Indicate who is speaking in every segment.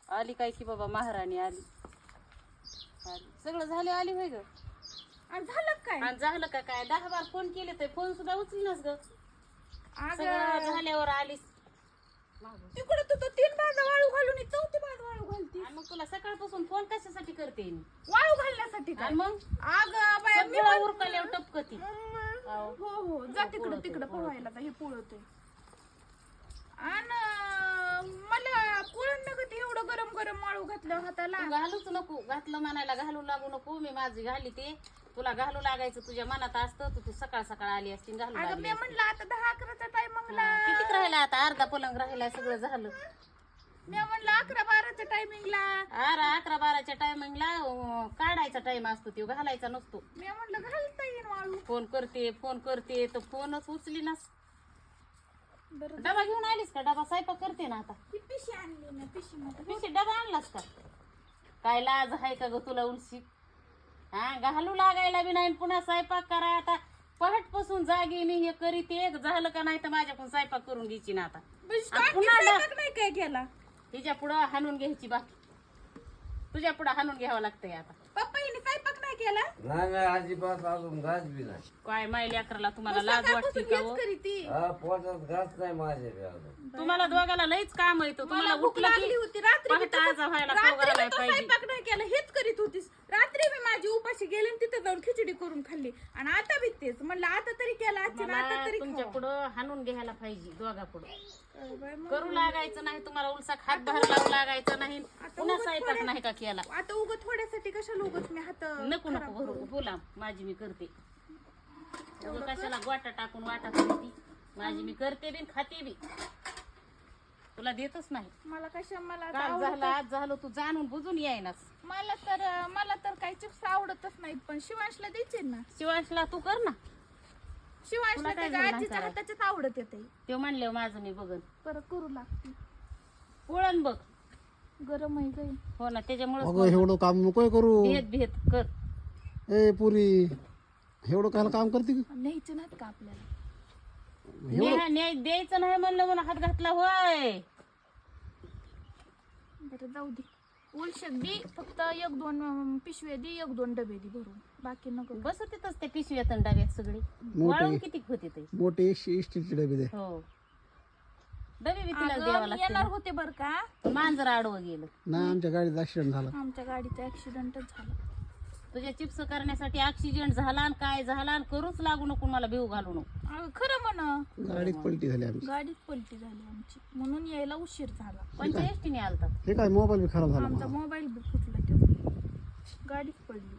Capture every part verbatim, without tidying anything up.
Speaker 1: आली काय की बाबा महाराणी आली आली सगळं झालं आली होय ग
Speaker 2: आणि झालं काय
Speaker 1: आणि झालं का काय दहा बार फोन केले तर फोन सुद्धा उचलनास ग
Speaker 2: अगं
Speaker 1: सगळं झाल्यावर आलीस
Speaker 2: तिकडे तू तर तीन भाजा वाळू घालून चौथी भाज वाळू घालती
Speaker 1: आणि मग तुला सकाळपासून फोन कशासाठी करते मी?
Speaker 2: वाळू घालण्यासाठी काय
Speaker 1: आणि मग
Speaker 2: अगं बाया मी
Speaker 1: सगळं उरकल्यावर टपकती
Speaker 2: हो हो जा तिकडं तिकडं पोहायला जा हे पोळतोय आणि मला पोळण नका ते एवढं गरम गरम वाळू घातलं हाताला
Speaker 1: तू घालूच नको घातलं म्हणायला घालू लागू नको मी माझी घाली ते तुला घालू लागायचं तुझ्या मनात असतं तू तू सकाळ सकाळ आली असती घालू
Speaker 2: अगं
Speaker 1: लागली
Speaker 2: मी म्हणलं आता दहा अकराचा टायमिंगला
Speaker 1: किती राहिला आता अर्धा पलंग राहिला सगळं झालं
Speaker 2: मी म्हणलं अकरा बाराच्या टायमिंगला
Speaker 1: अरे अकरा बाराच्या टायमिंगला काढायचा टाइम असतो तो घालायचा नसतो
Speaker 2: मी म्हणलं घालता येईल वाळू
Speaker 1: फोन करते फोन करते तर फोनच उचली नास
Speaker 2: बरं
Speaker 1: डबा घेऊन आलीस का डबा स्वयंपाक करते ना आता
Speaker 2: ती पिशी आणली ना पिशी मध्ये
Speaker 1: पिशी डबा आणलास का काय लाज आहे का ग तुला उलशी हा घालू लागायला बी नाही पुन्हा स्वयंपाक करा आता पहाटपासून जागी मी हे करीत एक झालं का नाही तर माझ्याकडून स्वयंपाक करून घ्यायची ना आता आणि पुन्हा
Speaker 2: स्वयंपाक नाही काय केला
Speaker 1: तिच्या पुढं हाणून घ्यायची बाकी तुझ्या पुढं हाणून घ्यावं लागतंय आता
Speaker 2: पप्पा हिने स्वयंपाक नाही केला
Speaker 3: नाही नाही अजिबात अजून घास बी नाही
Speaker 1: काय माय लेकराला तुम्हाला लाज वाटते का हो?
Speaker 2: करी ती
Speaker 3: हा पोटात घास नाही माझ्याकडे अजून
Speaker 1: तुम्हाला दोघाला लईच काम येतो तुम्हाला
Speaker 2: भूक
Speaker 1: उठलं
Speaker 2: लागली
Speaker 1: की
Speaker 2: होती रात्री मी
Speaker 1: पहाटे
Speaker 2: तसं-
Speaker 1: आज व्हायला
Speaker 2: रात्री
Speaker 1: खाऊ घालायला
Speaker 2: मी तो
Speaker 1: पाहिजे
Speaker 2: स्वयंपाक नाही केला हेच करीत होतीस रात्री मी माझी उपाशी गेले आणि तिथे जाऊन खिचडी करून खाल्ली आणि आता बी तेच म्हणलं आता तरी केला आजची ना आता
Speaker 1: मला
Speaker 2: तरी
Speaker 1: तुमच्या
Speaker 2: खाऊ.
Speaker 1: पुढं हाणून घ्यायला पाहिजे दोघा पुढं
Speaker 2: काय बाई मग.
Speaker 1: करू लागायचं नाही तुम्हाला उलसा खात बाहेर लावू लागायचं नाही पुन्हा
Speaker 2: उगाच
Speaker 1: स्वयंपाक
Speaker 2: थोड्या-
Speaker 1: नाही का केला
Speaker 2: आता उग थोड्यासाठी कशाला उगच मी हात
Speaker 1: नको नको भरू बोला माझी मी करते उगं कशाला गोटा टाकून वाटा करते माझी मी करते बी आणि खाते बी तुला देतच नाही
Speaker 2: मला कशा मला आता
Speaker 1: काल
Speaker 2: आवडत-
Speaker 1: झालं आज झालं तू जाणून बुजून यायनास
Speaker 2: मला तर मला तर काही चिप्स आवडतच नाहीत पण शिवांशला द्यायचे ना
Speaker 1: शिवांशला तू कर ना
Speaker 2: शिवांशला
Speaker 1: तुला काय
Speaker 2: त्याच्या
Speaker 1: झालं
Speaker 2: आजीच्या
Speaker 1: करायला?
Speaker 2: हाताच्याच आवडत येते
Speaker 1: ते म्हणले माझं मी बघन
Speaker 2: परत करू लागते
Speaker 1: पोळण बघ
Speaker 2: गरम आहे गई
Speaker 1: हो ना त्याच्यामुळे
Speaker 4: अगं एवढं काम नकोय करू
Speaker 1: भेद भेद कर
Speaker 4: ए पुरी एवढं कायला काम करते का?
Speaker 2: न्यायचे नाहीत का आपल्याला
Speaker 1: न्याय न्याय द्यायचं नाही म्हणलं म्हणून हात घातला होय
Speaker 2: बरं जाऊ दे उलशक दे फक्त एक दोन अं, पिशव्या दे एक दोन डबे दे भरून बाकी नको
Speaker 1: बस तिथंच ते पिशव्यात आणि डब्यात सगळी वाळून किती होते ते
Speaker 4: मोठे स्टीलचे डबे दे
Speaker 1: हो डबे बी तिला
Speaker 2: अगं,
Speaker 1: द्यावा
Speaker 2: मी येणार
Speaker 1: लागते
Speaker 2: होते बर का
Speaker 1: मांजर आडवं गेलं
Speaker 4: नाही आमच्या गाडीत ऍक्सिडेंट झाला
Speaker 2: आमच्या गाडीचा ऍक्सिडेंटच झाला
Speaker 1: तुझ्या चिप्स करण्यासाठी ऍक्सिडेंट झाला आणि काय झाला आणि करूच लागू नको मला भिव घालू नको
Speaker 2: अगं, खरं म्हणा
Speaker 4: गाडीत पलटी झाली आमची
Speaker 2: गाडीत पलटी झाली आमची म्हणून यायला उशीर झाला
Speaker 1: कोणत्या एसटीने आलतात
Speaker 4: हे काय मोबाईल बी खराब झाला
Speaker 2: आमचा
Speaker 4: माझा.
Speaker 2: मोबाईल बी फुटला तो गाडीत पडली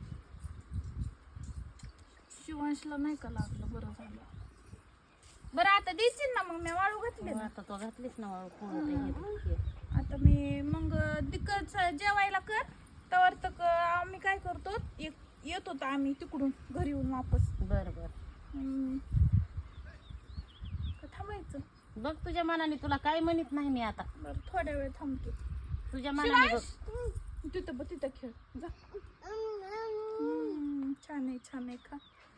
Speaker 2: शिवांशला नाही का लागलं बरं झालं बरं आता देशील ना मग मी वाळू घातले ना
Speaker 1: आता तो घातलीस ना वाळू कोण होतं हे?
Speaker 2: आता मी मग दिक्कत जेवायला कर तर तर आम्ही काय करतो एक येत होतो आम्ही तिकडून घरी येऊन वापस
Speaker 1: बरं बरं
Speaker 2: हम्म. का थांबायचं
Speaker 1: बघ तुझ्या मनाने तुला काय म्हणत नाही मी आता
Speaker 2: बरं थोड्या वेळ थांबतो
Speaker 1: तुझ्या मनाने बघ
Speaker 2: शिवांश, तिथं बघ तिथं खेळ जा हम्म, छान आहे छान आहे खा